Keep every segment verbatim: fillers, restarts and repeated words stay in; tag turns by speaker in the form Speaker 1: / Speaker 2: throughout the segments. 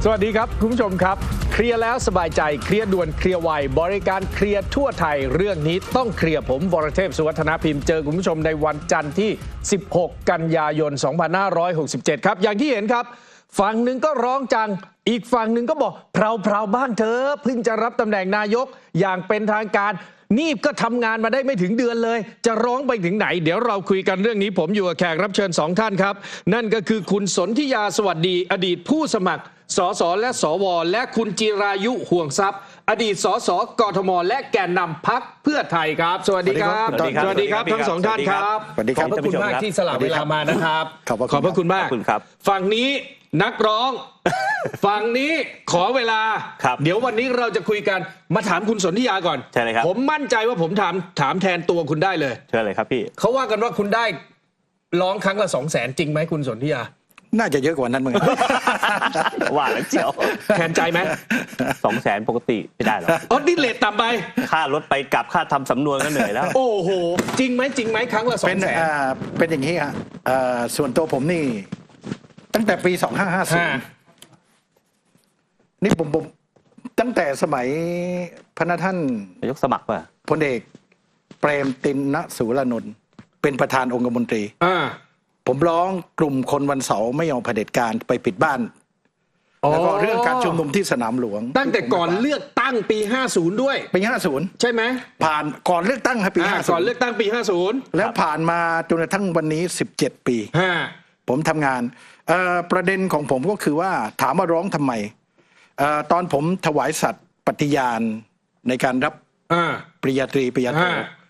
Speaker 1: วัสดีครับคุณผู้ชมครับเคลียร์แล้วสบายใจเคลียร์ด่วนเคลียร์ไวบริการเคลียร์ทั่วไทยเรื่องนี้ต้องเคลียร์ผมวรเทพสุวัฒนพิมพ์เจอคุณผู้ชมในวันจันทร์ที่สิบหกกันยายนสองพันห้าร้อยหกสิบเจ็ดครับอย่างที่เห็นครับฝั่งหนึ่งก็ร้องจังอีกฝั่งหนึ่งก็บอกเพลาๆบ้างเธอเพิ่งจะรับตำแหน่งนายกอย่างเป็นทางการนี่ก็ทำงานมาได้ไม่ถึงเดือนเลยจะร้องไปถึงไหนเดี๋ยวเราคุยกันเรื่องนี้ผมอยู่กับแขกรับเชิญสองท่านครับนั่นก็คือคุณสนธิยาสวัสดีอดีตผู้สมัครสสและสวและคุณจิรายุห่วงทรัพย์อดีตสสกทมและแกนนำพรรคเพื่อไทยครับสวัสดีครับสวัสดีครับทั้งสองท่านครับขอบพระคุณมากที่สละเวลามานะครับขอบพระคุณมากฝั่งนี้นักร้องฝั่งนี้ขอเวลาเดี๋ยววันนี้เราจะคุยกันมาถามคุณสนธิยาก่อน
Speaker 2: ใช่เลยครับ
Speaker 1: ผมมั่นใจว่าผมถามถามแทนตัวคุณได้เลย
Speaker 2: เชิญเลยครับพี่
Speaker 1: เขาว่ากันว่าคุณได้ร้องครั้งละสองแสนจริงไหมคุณสนธิยา
Speaker 3: น่าจะเยอะกว่านั้นมึง
Speaker 2: ว่าแล้วเจียว
Speaker 1: แทนใจไหม
Speaker 2: สองแสนปกติไม่ได้หรอก
Speaker 1: อ๋อนี่เลทต่ำไป
Speaker 2: ค่ารถไปกลับค่าทำสำนวนก็เหนื่อยแล้ว
Speaker 1: โอ้โหจริงไหมจริงไหมครั้งละสองแสน
Speaker 3: เป็นอย่างนี้ฮะส่วนตัวผมนี่ตั้งแต่ปีสองห้าห้าศูนย์นี่ผมผมตั้งแต่สมัยพระท่าน
Speaker 2: นายกสมัครป่ะ
Speaker 3: พลเอกเปรมติณสุรานนท์เป็นประธานองคมนตรีผมร้องกลุ่มคนวันเสาร์ไม่ยอมเผด็จการไปปิดบ้านแล้วก็เรื่องการชุมนุมที่สนามหลวง
Speaker 1: ตั้งแต่ก่อนเลือกตั้งปีห้าสิบด้วย
Speaker 3: ปีห้าสิบ
Speaker 1: ใช่ไหม
Speaker 3: ผ่านก่อนเลือกตั้งครับปีห้าสิบ
Speaker 1: ก่อนเลือกตั้งปีห้าสิบ
Speaker 3: แล้วผ่านมาจนกระทั่งวันนี้สิบเจ็ดปีผมทำงานประเด็นของผมก็คือว่าถามว่าร้องทำไมตอนผมถวายสัตย์ปฏิญาณในการรับปริญญาตรีปริญญาโท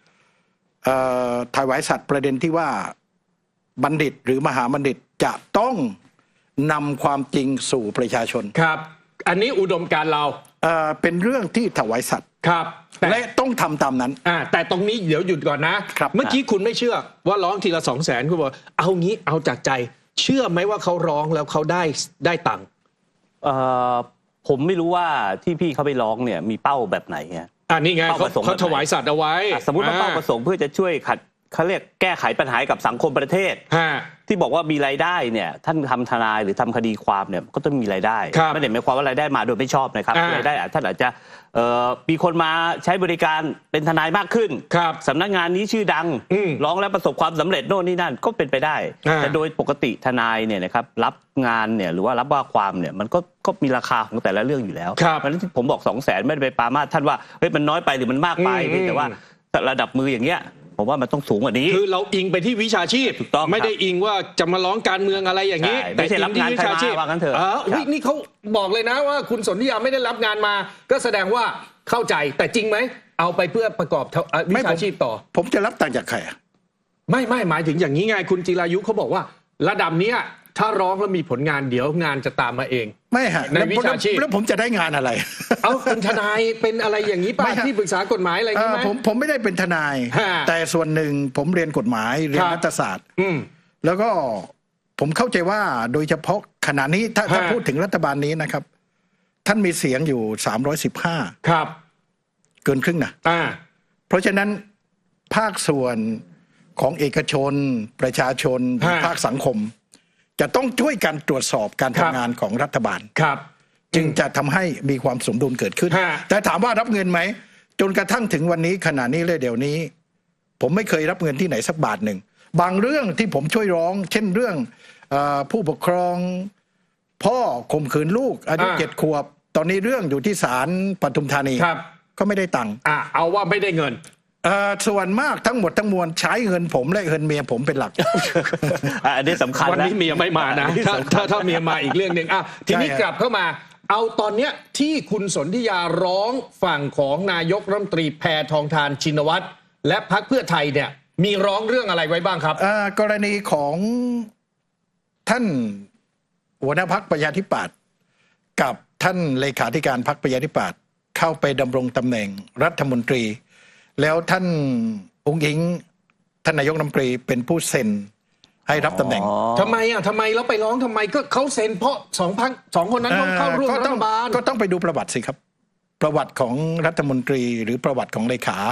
Speaker 3: ถวายสัตย์ประเด็นที่ว่าบัณฑิตหรือมหาบัณฑิตจะต้องนำความจริงสู่ประชาชน
Speaker 1: ครับอันนี้อุดมการเรา
Speaker 3: เอ่อเป็นเรื่องที่ถวายสัตย์
Speaker 1: ครับ
Speaker 3: และต้องทำตามนั้น
Speaker 1: อ่าแต่ตรงนี้เดี๋ยวหยุดก่อนนะครับเมื่อกี้คุณไม่เชื่อว่าร้องทีละสองแสนคุณบอกเอางี้เอาจากใจเชื่อไหมว่าเขาร้องแล้วเขาได้ได้ตังค์
Speaker 2: เอ่อผมไม่รู้ว่าที่พี่เขาไปร้องเนี่ยมีเป้าแบบไหนไง
Speaker 1: อ่านี่ไงเขาเขาถวายสัตย์เอาไว้
Speaker 2: สมมติว่าเป้าประสงค์เพื่อจะช่วยขัดเขาเรียกแก้ไขปัญหากับสังคมประเทศที่บอกว่ามีรายได้เนี่ยท่านทำทนายหรือทำคดีความเนี่ยก็ต้องมีรายได้ไม่ได้หมายความว่ารายได้มาโดยไม่ชอบนะครับรายได้ท่านอาจจะมีคนมาใช้บริการเป็นทนายมากขึ้นสำนักงานนี้ชื่อดังร้องแล้วประสบความสำเร็จโน่นนี่นั่นก็เป็นไปได้แต่โดยปกติทนายเนี่ยนะครับรับงานเนี่ยหรือว่ารับว่าความเนี่ยมันก็ก็มีราคาของแต่ละเรื่องอยู่แล้วเพราะฉะนั้นผมบอกสองแสนไม่ได้ไปปรามาสท่านว่าเฮ้ยมันน้อยไปหรือมันมากไปแต่ว่าระดับมืออย่างเงี้ยผมว่ามันต้องสูงกว่านี้
Speaker 1: คือเราอิงไปที่วิชาชีพถูกต้องไม่ได้อิงว่าจะมาร้องการเมืองอะไรอย่างนี้
Speaker 2: แต่อิงที่วิชาชีพว่างั้นเถอะ
Speaker 1: อ๋อนี่เขาบอกเลยนะว่าคุณสนธิยาไม่ได้รับงานมาก็แสดงว่าเข้าใจแต่จริงไหมเอาไปเพื่อประกอบวิชาชีพต่อ
Speaker 3: ผมจะรับตังค์จากใคร
Speaker 1: ไม่ไม่หมายถึงอย่างนี้ไงคุณจิรายุเขาบอกว่าระดับเนี้ยถ้าร้องแล้วมีผลงานเดี๋ยวงานจะตามมาเอง
Speaker 3: ไม่ฮะ
Speaker 1: ในวิชาชีพ
Speaker 3: แล้วผมจะได้งานอะไร
Speaker 1: เอาเป็นทนายเป็นอะไรอย่างนี้ป่ะที่ปรึกษากฎหมายอะไรอย่างนี้ไหม
Speaker 3: ผมผมไม่ได้เป็นทนายแต่ส่วนหนึ่งผมเรียนกฎหมายเรียนรัฐศาสตร์แล้วก็ผมเข้าใจว่าโดยเฉพาะขณะนี้ถ้าถ้าพูดถึงรัฐบาลนี้นะครับท่านมีเสียงอยู่สามร้อยสิบห้า
Speaker 1: ครับ
Speaker 3: เกินครึ่งนะเพราะฉะนั้นภาคส่วนของเอกชนประชาชนภาคสังคมจะต้องช่วยกันตรวจสอบการทำงานของรัฐบาล
Speaker 1: ครับ
Speaker 3: จึงจะทำให้มีความสมดุลเกิดขึ้นแต่ถามว่ารับเงินไหมจนกระทั่งถึงวันนี้ขณะนี้เลยเดี๋ยวนี้ผมไม่เคยรับเงินที่ไหนสักบาทหนึ่งบางเรื่องที่ผมช่วยร้องเช่นเรื่องผู้ปกครองพ่อข่มขืนลูกอายุเจ็ดขวบตอนนี้เรื่องอยู่ที่ศาลปทุมธานีก็ไม่ได้ตังค์
Speaker 1: อ่ะเอาว่าไม่ได้เงิน
Speaker 3: ส่วนมากทั้งหมดทั้งมวลใช้เงินผมและเงินเมียผมเป็นหลัก
Speaker 2: อันนี้สำคัญ
Speaker 1: วันนี้เมียไม่มานะถ้าถ้าถ้าเมียมาอีกเรื่องหนึ่งอ่ะทีนี้กลับเข้ามาเอาตอนเนี้ยที่คุณสนธิยาร้องฝั่งของนายกรัฐมนตรีแพทองธารชินวัตรและพรรคเพื่อไทยเนี่ยมีร้องเรื่องอะไรไว้บ้างครับ
Speaker 3: กรณีของท่านหัวหน้าพรรคประชาธิปัตย์กับท่านเลขาธิการพรรคประชาธิปัตย์เข้าไปดำรงตำแหน่งรัฐมนตรีแล้วท่านองค์หญิงท่านนายกรัฐมนตรีเป็นผู้เซ็นให้รับตำแหน่ง
Speaker 1: ทำไมอ่ะทำไมแล้วไปร้องทำไมก็เขาเซ็นเพราะสองพันสองคนนั้นต้องเข้าร่วมรัฐบาล
Speaker 3: ก็ต้องไปดูประวัติสิครับประวัติของรัฐมนตรีหรือประวัติของเลขา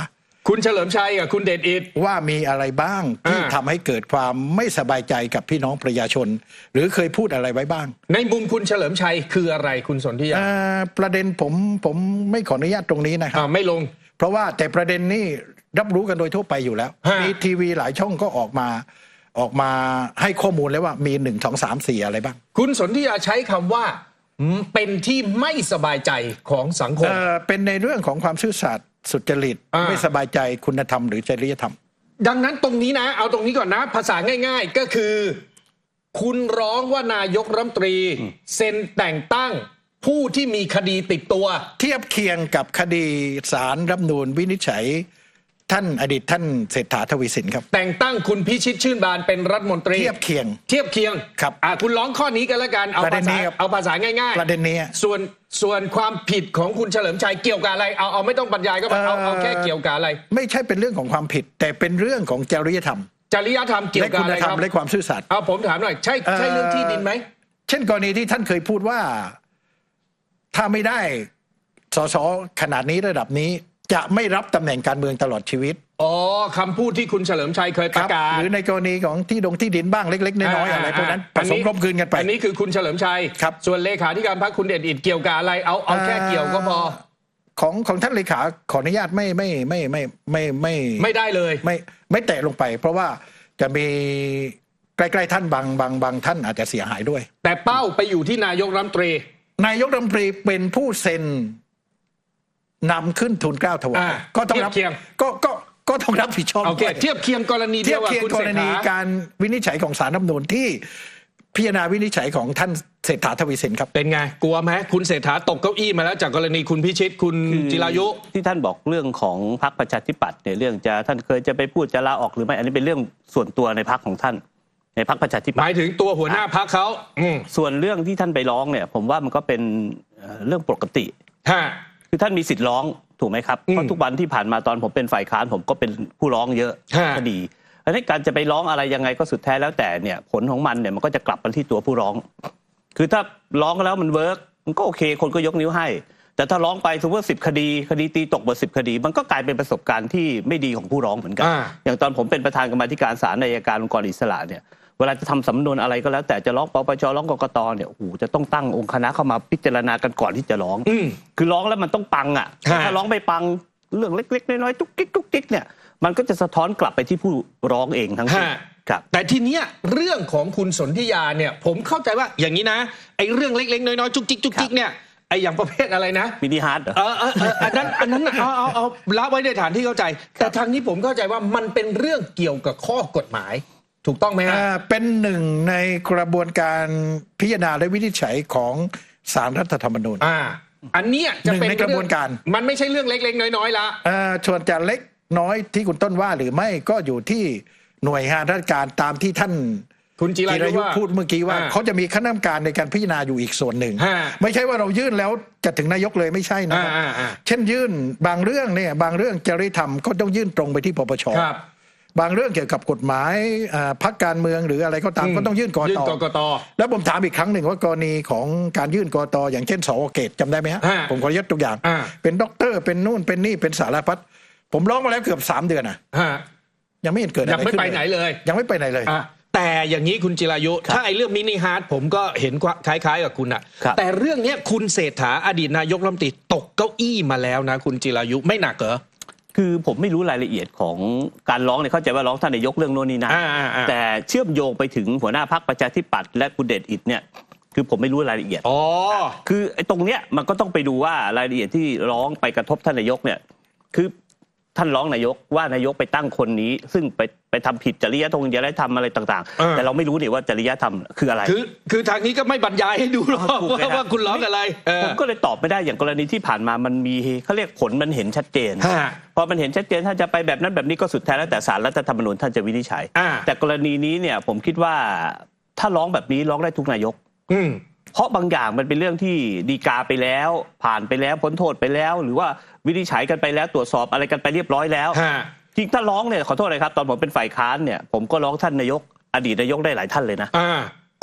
Speaker 1: คุณเฉลิมชัยกับคุณเดชอิทธิ์
Speaker 3: ว่ามีอะไรบ้างที่ทำให้เกิดความไม่สบายใจกับพี่น้องประชาชน หรือเคยพูดอะไรไว้บ้าง
Speaker 1: ในมุมคุณเฉลิมชัยคืออะไรคุณสนธิยา
Speaker 3: ประเด็นผมผมไม่ขออนุญาตตรงนี้นะครับ
Speaker 1: ไม่ลง
Speaker 3: เพราะว่าแต่ประเด็นนี้รับรู้กันโดยทั่วไปอยู่แล้วมีทีวีหลายช่องก็ออกมาออกมาให้ข้อมูลแล้วว่ามีหนึ่งสองสามสี่อะไรบ้าง
Speaker 1: คุณสนธิยาใช้คำว่าเป็นที่ไม่สบายใจของสังคม
Speaker 3: เ, เป็นในเรื่องของความซื่อสัตย์สุจริตไม่สบายใจคุณธรรมหรือจริยธรรม
Speaker 1: ดังนั้นตรงนี้นะเอาตรงนี้ก่อนนะภาษาง่ายๆก็คือคุณร้องว่านายกรัฐมนตรีเซ็นแต่งตั้งผู้ที่มีคดีติดตัว
Speaker 3: เทียบเคียงกับคดีศาลรัฐธรรมนูญวินิจฉัยท่านอดีตท่านเศรษฐาทวีสินครับ
Speaker 1: แต่งตั้งคุณพิชิตชื่นบานเป็นรัฐมนตรี
Speaker 3: เทียบเคียง
Speaker 1: เทียบเคียง
Speaker 3: ครับ
Speaker 1: อ่าคุณร้องข้อนี้กันแล้วกันเอาภาษาเอาภาษาง่าย
Speaker 3: ๆประเด็นนี้
Speaker 1: ส่วนส่วนความผิดของคุณเฉลิมชัยเกี่ยวกับอะไรเอาเอาไม่ต้องบรรยายก็เอาเอาแค่เกี่ยวกับอะไร
Speaker 3: ไม่ใช่เป็นเรื่องของความผิดแต่เป็นเรื่องของจริยธรรม
Speaker 1: จริยธรรมเกี่ยวกับอะไรครับ
Speaker 3: และความซื่อสัตย์
Speaker 1: เอาผมถามหน่อยใช่ใช่เรื่องที่ดินไหม
Speaker 3: เช่นกรณีที่ท่านเคยพูดว่าถ้าไม่ได้สสขนาดนี้ระดับนี้จะไม่รับตำแหน่งการเมืองตลอดชีวิต
Speaker 1: อ๋อคำพูดที่คุณเฉลิมชัยเคยประกาศ
Speaker 3: หรือในกรณีของที่ดงที่ดินบ้างเล็กๆน้อยๆอะไรพวกนั้นผสมกลมกลืนกันไป
Speaker 1: อันนี้คือคุณเฉลิมชัย
Speaker 3: ครับ
Speaker 1: ส่วนเลขาธิการพรรคคุณเดชอิทธิ์เกี่ยวกับอะไรเอาเอาแค่เกี่ยวก็พอ
Speaker 3: ของของท่านเลขาขออนุญาตไม่ไม่ไม่ไม่ไม่ไม่
Speaker 1: ไม่ได้เลย
Speaker 3: ไม่ไม่แตะลงไปเพราะว่าจะมีใกล้ๆท่านบางบางบางท่านอาจจะเสียหายด้วย
Speaker 1: แต่เป้าไปอยู่ที่นายกรัฐมนตรี
Speaker 3: นายกรัฐมนตรีเป็นผู้เซ็นนำขึ้นทุนเกล้าถวายก็ต้องรับก็ก็ก็ต้องรับผิดชอบ
Speaker 1: เทียบเคียงกรณี
Speaker 3: เทียบเคียงกรณีการวินิจฉัยของศาลรัฐธรรมนูญที่พิจารณาวินิจฉัยของท่านเศรษฐาทวีสินครับ
Speaker 1: เป็นไงกลัวไหมคุณเศรษฐาตกเก้าอี้มาแล้วจากกรณีคุณพิชิตคุณจิรายุ
Speaker 2: ที่ท่านบอกเรื่องของพรรคประชาธิปัตย์เนี่ยเรื่องจะท่านเคยจะไปพูดจะลาออกหรือไม่อันนี้เป็นเรื่องส่วนตัวในพรรคของท่านในพรรคประชาธิปัตย์
Speaker 1: หมายถึงตัวหัวหน้าพรรคเขา
Speaker 2: ส่วนเรื่องที่ท่านไปร้องเนี่ยผมว่ามันก็เป็นเรื่องปกติคือท่านมีสิทธิ์ร้องถูกไหมครับเพราะทุกวันที่ผ่านมาตอนผมเป็นฝ่ายค้านผมก็เป็นผู้ร้องเยอะคดีอันนี้การจะไปร้องอะไรยังไงก็สุดแท้แล้วแต่เนี่ยผลของมันเนี่ยมันก็จะกลับมาที่ตัวผู้ร้องคือถ้าร้องแล้วมันเวิร์กมันก็โอเคคนก็ยกนิ้วให้แต่ถ้าร้องไปสมมติว่าสิบคดีคดีตีตกหมดสิบคดีมันก็กลายเป็นประสบการณ์ที่ไม่ดีของผู้ร้องเหมือนกันอย่างตอนผมเป็นประธานกรรมาธิการศาลอัยการองค์กรอิสระเนี่ยเวลาจะทำสำนวนอะไรก็แล้วแต่จะร้องปปชร้องกกตเนี่ยโอ้โหจะต้องตั้งองค์คณะเข้ามาพิจารณากันก่อนที่จะร้องคือร้องแล้วมันต้องปังอ่ะถ้าร้องไม่ปังเรื่องเล็กๆน้อยๆจุกจิกจุกจิกเนี่ยมันก็จะสะท้อนกลับไปที่ผู้ร้องเองทั้งสิ้นครับ
Speaker 1: แต่ทีเนี้ยเรื่องของคุณสนธิยาเนี่ยผมเข้าใจว่าอย่างนี้นะไอ้เรื่องเล็กๆน้อยๆจุกจิกจุกจิกเนี่ยไอ้อย่างประเภทอะไรนะ
Speaker 2: มินิฮาร์ด
Speaker 1: เออเอออันนั้นอันนั้นเอาเอาเอาละไว้ในฐานที่เข้าใจแต่ทางนี้ผมเข้าใจว่ามันเป็นเรื่องเกี่ยวกับข้อกฎหมายถูกต้องไหมฮะ
Speaker 3: เป็นหนึ่งในกระบวนการพิจารณาและวินิจฉัยของศาลรัฐธรรมนูญ
Speaker 1: อ่าอันนี้จะเป็น
Speaker 3: ในกระบวนการ
Speaker 1: มันไม่ใช่เรื่องเล็กๆน้อยๆละ
Speaker 3: อ่าส่วนจะเล็กน้อยที่คุณต้นว่าหรือไม่ก็อยู่ที่หน่วยงานราชการตามที่ท่าน
Speaker 1: คุณจิรายุ
Speaker 3: พูดเมื่อกี้ว่าเขาจะมีคณะกรรมการในการพิจารณาอยู่อีกส่วนหนึ่งไม่ใช่ว่าเรายื่นแล้วจะถึงนายกเลยไม่ใช่นะครับเช่นยื่นบางเรื่องเนี่ยบางเรื่องจริยธรรมก็ต้องยื่นตรงไปที่ปปชบางเรื่องเกี่ยวกับกฎหมายพรรคการเมืองหรืออะไรก็ตามก็ต้องยื่นก
Speaker 1: กต.
Speaker 3: แล้วผมถามอีกครั้งหนึ่งว่ากรณีของการยื่นกต.อย่างเช่นสว.เกตจำได้ไหมฮะผมขอยกตัวอย่างเป็นด็อกเตอร์เป็นนู่นเป็นนี่เป็นสารพัดผมร้องมาแล้วเกือบสามเดือนอ่ะยังไม่เห็นเกิดอะไร
Speaker 1: ยังไม่ไปไหนเลย
Speaker 3: ยังไม่ไปไหนเลย
Speaker 1: แต่อย่างนี้คุณจิรายุถ้าไอ้เรื่องมินิฮาร์ดผมก็เห็นคล้ายๆกับคุณอ่ะแต่เรื่องนี้คุณเศรษฐาอดีตนายกรัฐมนตรีตกเก้าอี้มาแล้วนะคุณจิรายุไม่หนักเหรอ
Speaker 2: คือผมไม่รู้รายละเอียดของการร้องเนี่ยเข้าใจว่าร้องท่านนายกเรื่องโน่นนี่นะแต่เชื่อมโยงไปถึงหัวหน้าพรรคประชาธิปัตย์และคุณเดชอิทธิ์เนี่ยคือผมไม่รู้รายละเอียด
Speaker 1: อ๋อ
Speaker 2: คือไอ้ตรงเนี้ยมันก็ต้องไปดูว่ารายละเอียดที่ร้องไปกระทบท่านนายกเนี่ยคือท่านร้องนายกว่านายกไปตั้งคนนี้ซึ่งไปไปทำผิดจริยธรรมจริยธรรมอะไรต่างๆแต่เราไม่รู้เนี่ยว่าจริยธรรมคืออะไร
Speaker 1: คือคือทางนี้ก็ไม่บรรยายให้ดูหรอกว่าว่าคุณร้องอะไร
Speaker 2: ผมก็เลยตอบไม่ได้อย่างกรณีที่ผ่านมามันมีเขาเรียกผลมันเห็นชัดเจนพอมันเห็นชัดเจนถ้าจะไปแบบนั้นแบบนี้ก็สุดแท้แล้วแต่ศาลรัฐธรรมนูญท่านจะวินิจฉัยแต่กรณีนี้เนี่ยผมคิดว่าถ้าร้องแบบนี้ร้องได้ทุกนายกเพราะบางอย่างมันเป็นเรื่องที่ฎีกาไปแล้วผ่านไปแล้วพ้นโทษไปแล้วหรือว่าวินิจฉัยกันไปแล้วตรวจสอบอะไรกันไปเรียบร้อยแล้วจริงถ้าร้องเนี่ยขอโทษเลยครับตอนผมเป็นฝ่ายค้านเนี่ยผมก็ร้องท่านนายกอดีตนายกได้หลายท่านเลยนะ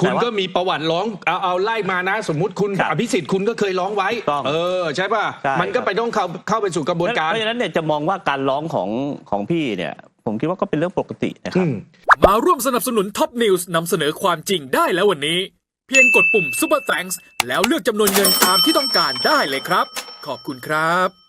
Speaker 1: คุณก็มีประวัติร้องเอาเอาไล่มานะ สมมุติคุณอภิสิทธิ์คุณก็เคยร้องไว้เออใช่ป่ะมันก็ไปต้องเข้าเข้าไปสู่กระบวนการ
Speaker 2: เพราะฉะนั้นเนี่ยจะมองว่าการร้องของของพี่เนี่ยผมคิดว่าก็เป็นเรื่องปกตินะครับ
Speaker 4: มาร่วมสนับสนุนท็อปนิวส์นำเสนอความจริงได้แล้ววันนี้เพียงกดปุ่ม Super Thanks แล้วเลือกจำนวนเงินตามที่ต้องการได้เลยครับขอบคุณครับ